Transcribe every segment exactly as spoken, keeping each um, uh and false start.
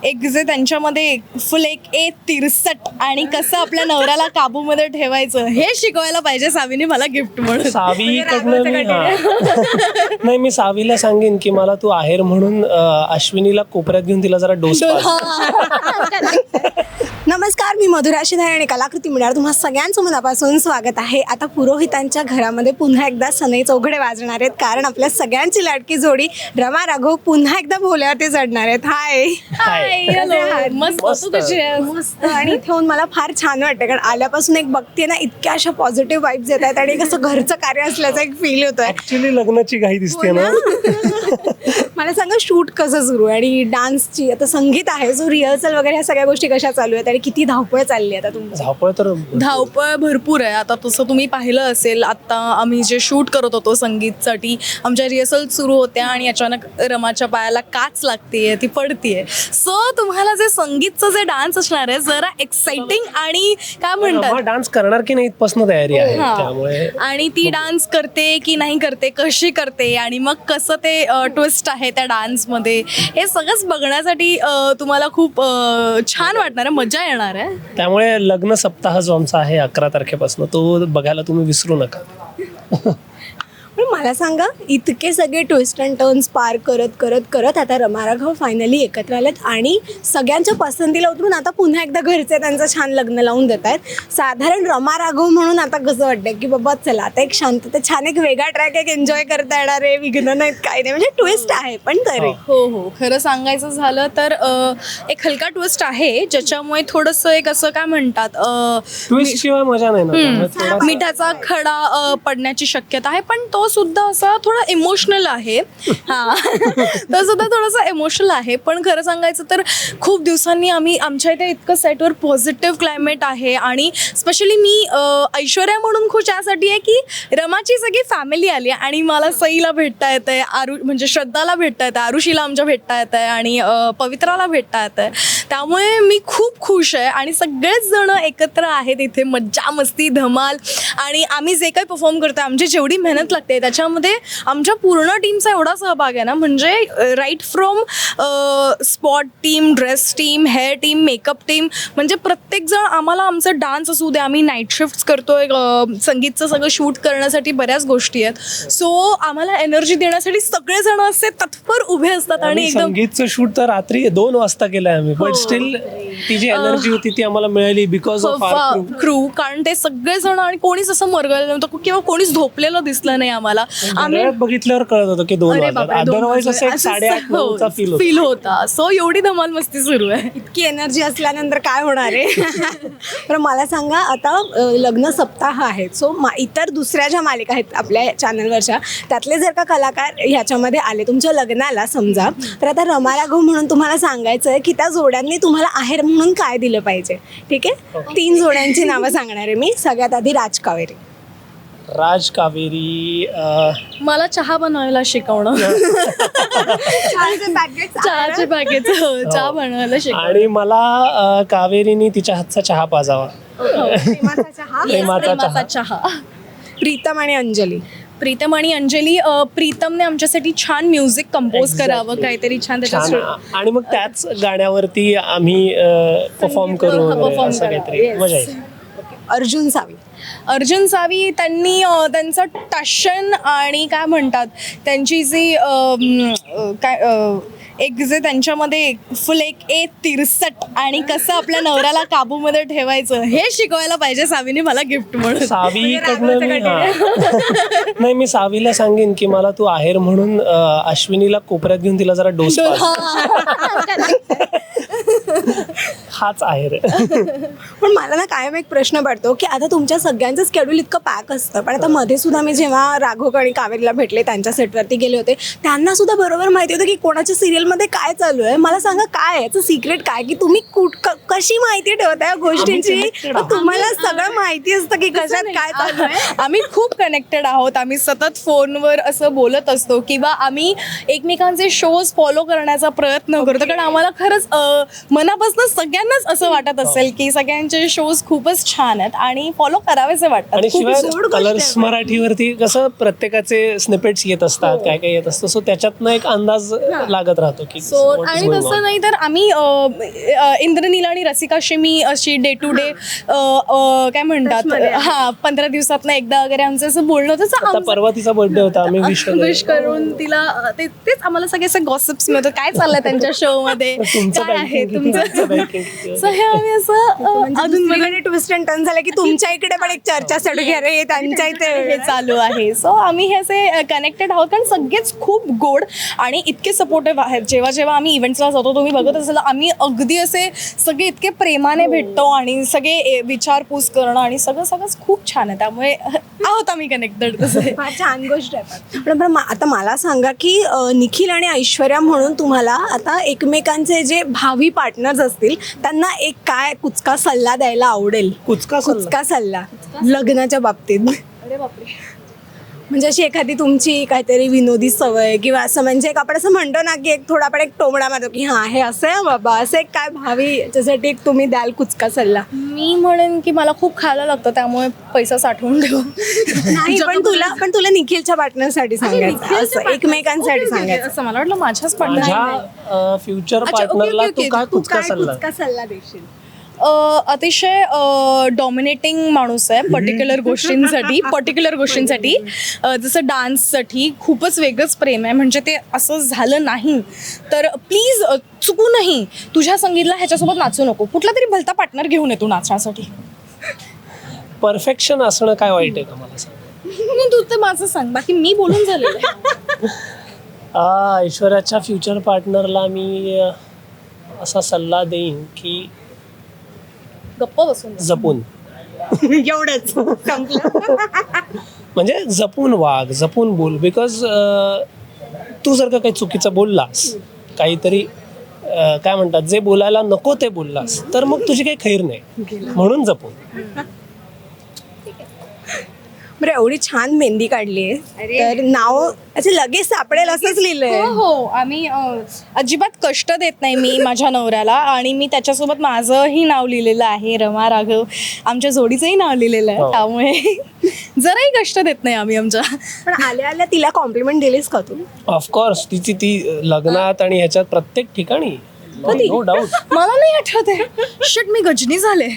एक जे त्यांच्यामध्ये फुल एक ए तिरसट आणि कसं आपल्या नवऱ्याला काबूमध्ये ठेवायचं हे शिकवायला पाहिजे सावीने मला गिफ्ट म्हणून. सावीकडनं मी हा. नाही मी सावीला सांगेन की मला तू आहेर म्हणून अं, अश्विनीला कोपऱ्यात घेऊन तिला जरा डोस नमस्कार, मी मधुरा शिधारे आणि कलाकृती मिळणार तुम्हा सगळ्यांचं मनापासून स्वागत आहे. आता पुरोहितांच्या घरामध्ये पुन्हा एकदा सनई चौघडे वाजणार आहेत, कारण आपल्या सगळ्यांची लाडकी जोडी रमा राघव पुन्हा एकदा भोल्यावरती चढणार आहेत. हाय हाय, मस्त तू कशी आहेस? मस्त. आणि इथे येऊन मला फार छान वाटतं, कारण आल्यापासून एक बघते ना, इतक्या अशा पॉझिटिव्ह वाईब्स येत आहेत आणि कसं घरचं कार्य असल्याचा एक फील होतोय. ऍक्च्युली लग्नाची घाई दिसते ना. मला सांगा, शूट कसं सुरू आहे आणि डान्सची आता संगीत आहे, जो रिहर्सल वगैरे ह्या सगळ्या गोष्टी कशा चालू आहेत आणि किती धावपळ चालली आहे आता तुमची? धावपळ तर धावपळ भरपूर आहे. आता तसं तुम्ही पाहिलं असेल, आता आम्ही जे शूट करत होतो संगीतसाठी, आमच्या रिहर्सल सुरू होत्या आणि अचानक रमाच्या पायाला काच लागते, ती पडतीये. सो तुम्हाला जे संगीतचं जे डान्स असणार आहे जरा एक्साइटिंग आणि काय म्हणतात डान्स करणार की नाही इथपासून तयारी आहे. त्यामुळे आणि ती डान्स करते की नाही करते, कशी करते आणि मग कसं ते ट्विस्ट आहे त्या डान्समध्ये, हे सगळंच बघण्यासाठी अ, तुम्हाला खूप अ, छान वाटणार आहे, मजा येणार आहे. त्यामुळे लग्न सप्ताह जो आमचा आहे अकरा तारखेपासून तो बघायला तुम्ही विसरू नका. पण मला सांगा, इतके सगळे ट्विस्ट अँड टर्न्स पार करत करत करत आता रमा राघव फायनली एकत्र आलेत आणि सगळ्यांच्या पसंतीला उतरून आता पुन्हा एकदा घरचे त्यांचं छान लग्न लावून देत आहेत. साधारण रमा राघव म्हणून आता कसं वाटतं की बाबा चला आता एक शांतता, छान एक वेगळा ट्रॅक एक एन्जॉय करता येणार आहे, विघ्न नाहीत काय नाही, म्हणजे ट्विस्ट आहे पण तरी. हो हो, खरं सांगायचं झालं तर अ, एक हलका ट्विस्ट आहे, ज्याच्यामुळे थोडंसं एक असं काय म्हणतात अ, ट्विस्ट शिवाय मजा नाही ना. त्यामुळे थोडासा- मिठाचा खडा अ, पडण्याची शक्यता आहे, पण तो सुद्धा असा थोडा इमोशनल आहे. हा तो सुद्धा थोडासा इमोशनल आहे. पण खरं सांगायचं तर खूप दिवसांनी आम्ही आमच्या इथे इतकं सेटवर पॉझिटिव्ह क्लायमेट आहे आणि स्पेशली मी अ, ऐश्वर्या म्हणून खुश यासाठी आहे की रमाची सगळी फॅमिली आली आहे आणि मला सईला भेटता येत आहे, आरु म्हणजे श्रद्धाला भेटता येतं, आरुषीला आमच्या भेटता येत आहे आणि अ, पवित्राला भेटता येत आहे. त्यामुळे मी खूप खुश आहे आणि सगळेच जण एकत्र आहेत इथे, मज्जा मस्ती धमाल. आणि आम्ही जे काही परफॉर्म करतो, आमची जेवढी मेहनत लागते त्याच्यामध्ये आमच्या पूर्ण टीमचा एवढा सहभाग आहे ना, म्हणजे right from spot team, dress team, hair team, makeup team, म्हणजे प्रत्येकजण आम्हाला आमचं डान्स असू दे, आम्ही नाईट शिफ्ट्स करतोय, संगीतचं सगळं शूट करण्यासाठी बऱ्याच गोष्टी आहेत. सो आम्हाला एनर्जी देण्यासाठी सगळेजण असे तत्पर उभे असतात आणि एकदम संगीतचं शूट तर रात्री दोन वाजता केलंय आम्ही, पण स्टील ती जी एनर्जी होती ती आम्हाला मिळाली बिकॉज ऑफ आवर क्रू. कारण ते सगळेजण आणि कोणीच असं मरगळलं नव्हतं किंवा कोणीच झोपलेलं दिसलं नाही आम्हाला. आम्ही बघितल्यावर कळत होतं की दोन वाजता, अदरवाईज असं एक साडेआठ नऊचा फील फील होता. सो एवढी धमाल मस्ती सुरू आहे. इतकी एनर्जी असल्यानंतर काय होणार आहे? तर मला सांगा, आता अ, लग्न सप्ताह आहे, सो मा इतर दुसऱ्या ज्या मालिका आहेत आपल्या चॅनलवरच्या, त्यातले जर का कलाकार ह्याच्यामध्ये आले तुमच्या लग्नाला समजा, तर आता रमा राघव म्हणून तुम्हाला सांगायचं आहे की त्या जोड्यांनी तुम्हाला आहेर म्हणून काय दिलं पाहिजे. ठीक आहे, तीन जोड्यांची नावं सांगणार आहे मी. सगळ्यात आधी राज कावेरी. राज कावेरी अं, मला चहा बनवायला शिकवणं, चहाचे पॅकेट चहा बनवायला शिकवणं. आणि मला अं, कावेरीनी तिच्या हातचा चहा पाजावा. प्रेमाचा चहा. प्रेमाचा प्रेमाचा चहा. प्रीतम आणि अंजली. प्रीतम आणि अंजली, अ, प्रीतमने आमच्यासाठी छान म्युझिक कंपोज करावं, काहीतरी छान छान. त्याच्यात आणि मग त्याच गाण्यावरती आम्ही परफॉर्म करू हा, वगैरे perform असं करा. काहीतरी Yes. मजा येईल. अर्जुन सावी. अर्जुन सावी, त्यांनी अ, त्यांचं टशन आणि काय म्हणतात त्यांची जी अ, म, अ, काय अ, एक जे त्यांच्यामध्ये फुल एक ए तिरसट आणि कसं आपल्या नवऱ्याला काबूमध्ये ठेवायचं हे शिकवायला पाहिजे सावीने मला गिफ्ट म्हणून. सावीकडनं मी हा. नाही मी सावीला सांगेन की मला तू आहेर म्हणून अं, अश्विनीला कोपऱ्यात घेऊन तिला जरा डोस हाच आहेर. पण मला ना कायम एक प्रश्न पडतो की आता तुमच्या सगळ्यांचं स्केड्यूल इतकं पॅक असतं, पण आता मध्ये सुद्धा मी जेव्हा राघव आणि कावेरीला भेटले, त्यांच्या सेटवरती गेले होते, त्यांना सुद्धा बरोबर माहिती होतं की कोणाच्या सिरियलमध्ये काय चालू आहे. मला सांगा, काय याचं सिक्रेट काय, की तुम्ही कुठ क- कशी माहिती ठेवता या गोष्टींची? तुम्हाला सगळं माहिती असतं की कशात काय चालू आहे. आम्ही खूप कनेक्टेड आहोत. आम्ही सतत फोनवर असं बोलत असतो किंवा आम्ही एकमेकांचे शोज फॉलो करण्याचा प्रयत्न करतो, कारण आम्हाला खरंच अ, मनापासून सगळ्यांना सगळ्यांनाच असं वाटत असेल की सगळ्यांचे शोज खूपच छान आहेत आणि फॉलो करावेसे वाटतात. आणि खूप शिवाय गोड गोष्ट कलर्स आहे. मराठीवरती कसं प्रत्येकाचे स्निपेट्स येत असतात, काय काय येत असतं, सो त्याच्यातनं एक अंदाज लागत राहतो की सो what is आणि going तसं on. नाही तर आम्ही अ, अ, इंद्रनील आणि रसिकाशी मी अशी डे टू डे काय म्हणतात हा पंधरा दिवसात एकदा वगैरे आमचं असं बोलणं होतं. तर आता आमचं- परवा तिचा बर्थडे होता, आम्ही विश विश करून तिला अ, ते- तेच आम्हाला सगळे असे गॉसिप्स मिळतात काय चाललंय त्यांच्या शो मध्ये तुमचं काय आहे banking किती, आमचं तुमचं banking किती. सो हे आम्ही असं अ, अधून मधून ट्विस्ट अँड टर्न झालं की तुमच्या इकडे पण एक चर्चा सुरू की अरे त्यांच्या इथे हे चालू आहे. सो आम्ही हे असे कनेक्टेड आहोत कारण सगळेच खूप गोड आणि इतके सपोर्टिव्ह आहेत. जेव्हा जेव्हा आम्ही इव्हेंट्सला जातो तुम्ही बघत असाल आम्ही अगदी असे सगळे इतके प्रेमाने भेटतो आणि सगळे ए- विचारपूस करणं आणि सगळं सगळंच खूप छान आहे. त्यामुळे आहोत आम्ही कनेक्टेड तसे. फार छान गोष्ट आहे. पण बरं मा- आता मला सांगा की अ, निखिल आणि ऐश्वर्या म्हणून तुम्हाला आता एकमेकांचे जे भावी पार्टनर्स असतील त्यांना एक काय कुचका सल्ला द्यायला आवडेल? कुचका सल्ला? कुचका सल्ला लग्नाच्या बाबतीत. अरे बापरे. म्हणजे अशी एखादी तुमची काहीतरी विनोदी सवय किंवा असं म्हणजे एक आपण असं म्हणतो ना की एक थोडा आपण एक टोमडा मारतो की हां हे असं आहे बाबा, असं एक काय भावी याच्यासाठी एक तुम्ही द्याल कुचका सल्ला? मी म्हणेन की मला खूप खायला लागतं त्यामुळे पैसा साठवून ठेव. नाही पण तुला पण तुला निखिलच्या पार्टनरसाठी सांगायचं असं एकमेकांसाठी सांगायचं. असं मला वाटलं माझ्याच पार्टनर माझ्या फ्युचर अच्छा, ओके, पार्टनरला ओके, तू ओके. काय तू कुचका काय सल्ला? कुचका सल्ला देशील? अतिशय डॉमिनेटिंग माणूस आहे पर्टिक्युलर गोष्टींसाठी पर्टिक्युलर गोष्टींसाठी अ, जसं डान्ससाठी खूपच वेगळंच प्रेम आहे. म्हणजे ते असं झालं नाही तर प्लीज चुकूनही तुझ्या संगीतला ह्याच्यासोबत नाचू नको. कुठला तरी भलता पार्टनर घेऊन येतो नाचण्यासाठी. परफेक्शन असणं काय वाईट आहे का मला सांग? नाही, तू तर माझं सांग बाकी मी बोलून झालेलं आहे. आ, ऐश्वर्याच्या फ्युचर पार्टनरला मी अ, असा सल्ला देईन की गप्प बसून जा. जपून एवढंच संपलं. म्हणजे जपून वाग, जपून बोल. बिकॉज तू जर का काही चुकीचं बोललास, काहीतरी अ, काय म्हणतात जे बोलायला नको ते बोललास तर मग तुझी काही खैर नाही. म्हणून जपून. बरं एवढी छान मेहंदी काढली आहे तर नाव अच्छा लगेच सापडेल असंच लिहिलंय. हो हो आम्ही अ, अजिबात कष्ट देत नाही मी माझ्या नवऱ्याला आणि मी त्याच्यासोबत माझंही नाव लिहिलेलं आहे रमा राघव. आमच्या जोडीचंही नाव लिहिलेलं आहे हो. त्यामुळे जराही कष्ट देत नाही आम्ही आमच्या. पण आल्या आल्या तिला कॉम्प्लिमेंट दिलीस का तू? ऑफकोर्स तिची ती लग्नात आणि ह्याच्यात प्रत्येक ठिकाणी नो डाऊट. मला नाही आठवत आहे. शिट मी गजनी झाले.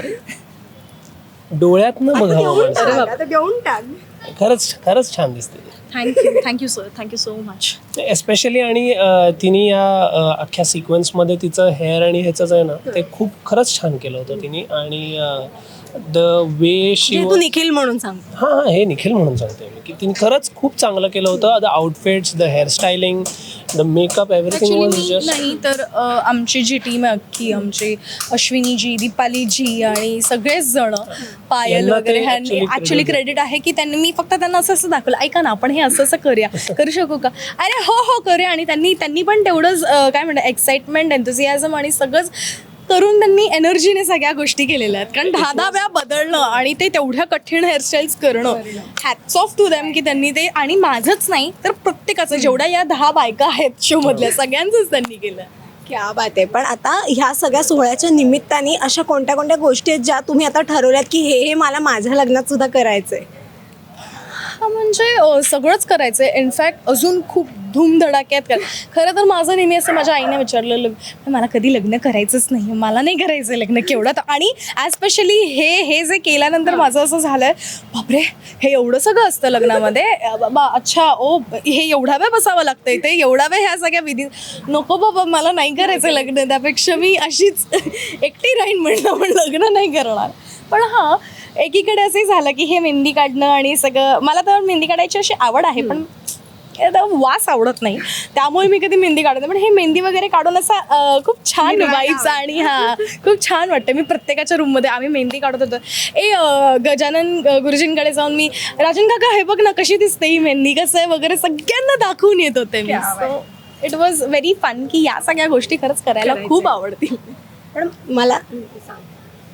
डोळ्यातनं बघावं देऊन माणसाला. टाक, आता देऊन टाक. खरंच खरंच छान दिसते ती. Thank you thank you sir thank you so much. Especially आणि अ, तिने या अ, अख्ख्या सिक्वेन्समध्ये तिचं हेअर आणि ह्याचं जे आहे ना ते खूप खरंच छान केलं होतं तिने. आणि द वे शी जे तू निखिल म्हणून सांग. हां हां हे निखिल म्हणून सांगते मी की तिने खरंच खूप चांगलं केलं होतं. The outfits, the hairstyling, the makeup, everything actually was मी जस्ट. नाही तर अ, आमची जी टीम आहे अख्खी आमची अश्विनीजी, दीपालीजी आणि सगळेच जण पायल यांना ते वगैरे ह्यांनी actually ॲक्च्युली credit क्रेडिट आहे की त्यांनी मी फक्त त्यांना असं असं दाखवलं ऐका ना आपण हे असं असं करूया करू शकू का अरे हो हो करूया. आणि त्यांनी त्यांनी पण तेवढंच अ, काय म्हणतात एक्साइटमेंट एन्थुसियाझम आणि सगळंच करून त्यांनी एनर्जीने सगळ्या गोष्टी केलेल्या आहेत. कारण दहा दहा वेळा बदलणं आणि ते तेवढ्या कठीण हेअरस्टाईल्स करणं हॅट्स ऑफ टू दॅम की त्यांनी ते. आणि माझंच नाही तर प्रत्येकाचं जेवढ्या या दहा बायका आहेत शो मधल्या सगळ्यांचंच त्यांनी केलं. क्या बात आहे. पण आता ह्या सगळ्या सोहळ्याच्या निमित्ताने अशा कोणत्या कोणत्या गोष्टी आहेत ज्या तुम्ही आता ठरवल्यात की हे हे मला माझ्या लग्नात सुद्धा करायचंय? हा म्हणजे अ, सगळंच करायचं आहे. इनफॅक्ट अजून खूप धूमधडाक्यात कर. खरं तर माझं नेहमी असं माझ्या आईने विचारलेलं मला कधी लग्न करायचंच नाही, मला नाही करायचं लग्न केवढं तर. आणि ॲस्पेशली हे हे जे केल्यानंतर माझं असं झालं बापरे हे एवढं सगळं असतं लग्नामध्ये. अ, बाबा अच्छा ओ हे एवढा वेळ बसावं लागतं इथे एवढा वेळ ह्या सगळ्या विधी. नको बाबा मला नाही करायचं लग्न. त्यापेक्षा मी अशीच एकटी राहीन म्हणलं पण लग्न नाही करणार. पण हां एकीकडे असंही झालं की हे मेहंदी काढणं आणि सगळं मला तर मेहंदी काढायची अशी आवड आहे पण आता वास आवडत नाही त्यामुळे मी कधी मेहंदी काढत नाही. पण हे मेहंदी वगैरे काढून असा अ, खूप छान व्हाईब्स आणि हां खूप छान वाटतं. मी प्रत्येकाच्या रूममध्ये आम्ही मेहंदी काढत होतो. ए अ, गजानन अ, गुरुजींकडे जाऊन मी राजन काका हे बघ ना कशी दिसते ही मेहंदी कसं आहे वगैरे सगळ्यांना दाखवून येत होते मी. So it was very fun की या सगळ्या गोष्टी खरंच करायला खूप आवडतील. पण मला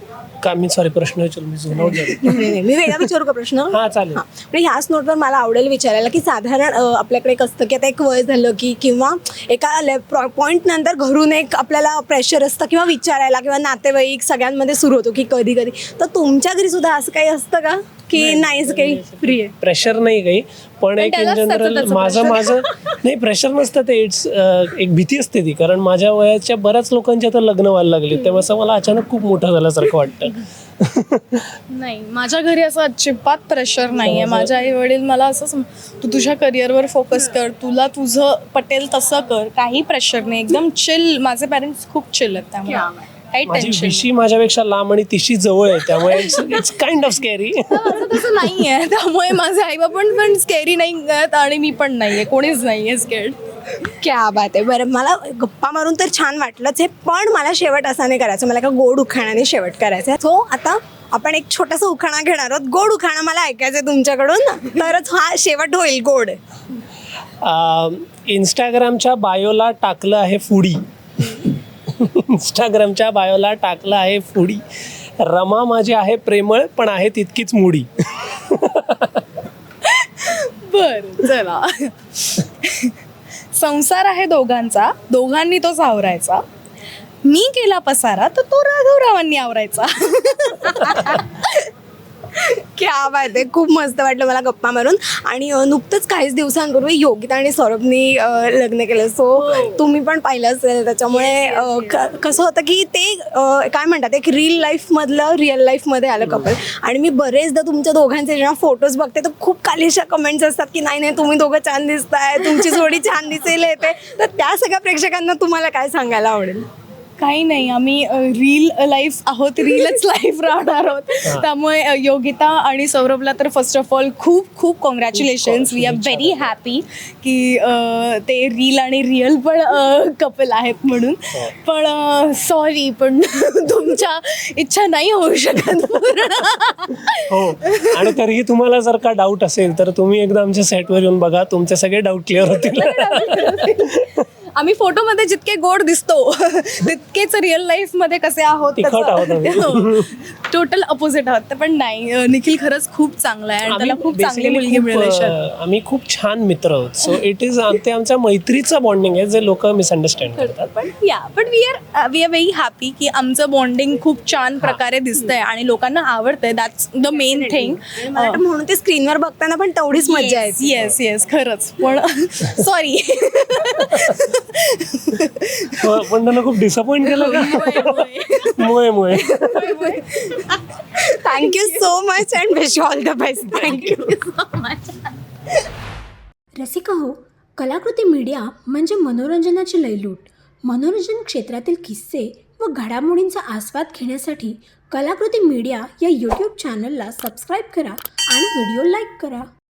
का मी सॉरी प्रश्न विचारलो मी झोन आउट झालो. नाही, नाही, मी वेगळा विचारू का प्रश्न? हां चालेल. हां, म्हणजे ह्याच नोटवर मला आवडेल विचारायला की साधारण अ, आपल्याकडे एक असतं की आता एक वय झालं की किंवा एका ले पॉईंट नंतर घरून एक आपल्याला प्रेशर असतं किंवा विचारायला किंवा नातेवाईक सगळ्यांमध्ये सुरू होतो की कधी कधी, तर तुमच्या घरी सुद्धा असं काही असतं का की नाहीच काही फ्री आहे? प्रेशर नाही काही, पण एक इन त्यालाच त्याचं जनरल त्याचं माझं pressure. माझं नाही प्रेशर नसतं ते. इट्स एक भीती असते ती, कारण माझ्या वयाच्या बऱ्याच लोकांची आता लग्न व्हायला लागली, तेव्हा असं मला अचानक खूप मोठं झाल्यासारखं वाटतं. नाही, माझ्या घरी असं अजिबात प्रेशर नाही आहे. माझे आई वडील मला असं सम- तू तुझ्या करिअरवर फोकस कर, तुला तुझं पटेल तसं कर, काही प्रेशर नाही, एकदम चिल. माझे पॅरेंट्स खूप चिल आहेत, त्यामुळे काही माझी टेन्शन विशी माझ्यापेक्षा लांब आणि तिशी जवळ आहे, त्यामुळे it's it's kind of scary. माझं तसं नाही आहे, त्यामुळे माझे आई बाबा पण पण स्केरी नाही आहेत आणि मी पण नाही आहे, कोणीच नाही आहे स्केर्ड. क्या बात आहे. बरं, मला गप्पा मारून तर छान वाटलंच आहे, पण मला शेवट असा नाही करायचं, मला एका गोड उखाणाने शेवट करायचा आहे. सो आता आपण एक छोटासा उखाणा घेणार आहोत. गोड उखाणा मला ऐकायचं आहे तुमच्याकडून, तरच हा शेवट होईल गोड. इंस्टाग्रामच्या बायोला टाकलं आहे फुडी. इंस्टाग्रामच्या बायोला टाकलं आहे फुडी. रमा माझी आहे प्रेमळ पण आहे तितकीच मुडी. बर, चला. संसार आहे दोघांचा, दोघांनी तो सावरायचा. मी केला पसारा तर तो राघवरावांनी आवरायचा. क्या बात आहे. खूप मस्त वाटलं मला गप्पा मारून. आणि अ, नुकतंच काहीच दिवसांपूर्वी योगिता आणि सौरभनी अ, लग्न केलं, सो तुम्ही पण पाहिलं असेल. त्याच्यामुळे अ, क- कसं होतं की ते अ, काय म्हणतात, एक रील लाईफमधलं रिअल लाईफमध्ये आलं कपल. आणि मी बरेचदा तुमच्या दोघांचे जेव्हा फोटोज बघते तर खूप कालीशा कमेंट्स असतात की नाही नाही तुम्ही दोघं छान दिसताय, तुमची जोडी छान दिसेल येते. तर त्या सगळ्या प्रेक्षकांना तुम्हाला काय सांगायला आवडेल? काही नाही, आम्ही रील लाईफ आहोत, रीलच लाईफ राहणार आहोत. त्यामुळे अ, योगिता आणि सौरभला तर फर्स्ट ऑफ ऑल खूप खूप congratulations. We are very happy की अ, ते रील आणि रिअल पण कपल आहेत म्हणून. पण सॉरी, पण तुमच्या इच्छा नाही होऊ शकत पूर्ण. हो, आणि तरीही तुम्हाला जर का डाऊट असेल तर तुम्ही एकदा आमच्या सेटवर येऊन बघा, तुमचे सगळे डाऊट क्लिअर होतील. आम्ही फोटोमध्ये जितके गोड दिसतो तितकेच रिअल लाईफ मध्ये कसे आहोत, तिखट आहोत आम्ही. टोटल अपोजिट आहोत. पण नाही, अ, निखिल खरंच खूप चांगला आहे आणि त्याला खूप चांगली basically मुलगी खूप, मिळेल आयुष्यात. अं, आम्ही खूप छान मित्र आहोत. सो इट इज ते आमच्या मैत्रीचं बॉन्डिंग आहे जे लोक मिसअंडरस्टँड करतात. पण या पण we are we are very happy की आमचं बॉन्डिंग खूप छान प्रकारे दिसतंय आणि लोकांना आवडतंय. That's the main thing. मला वाटतं म्हणून ते स्क्रीनवर बघताना पण तेवढीच मजा येते. येस येस, खरंच. पण सॉरी. पण त्यांना खूप डिसअपॉइंट केलं का? मुळे मुळे thank you so much and wish all the best. Thank you. Rasika हो, कलाकृती मीडिया म्हणजे मनोरंजनाची लयलूट. मनोरंजन क्षेत्रातील किस्से व घडामोडींचा आस्वाद घेण्यासाठी कलाकृती मीडिया या यूट्यूब चॅनलला सबस्क्राईब करा आणि व्हिडिओ लाईक करा.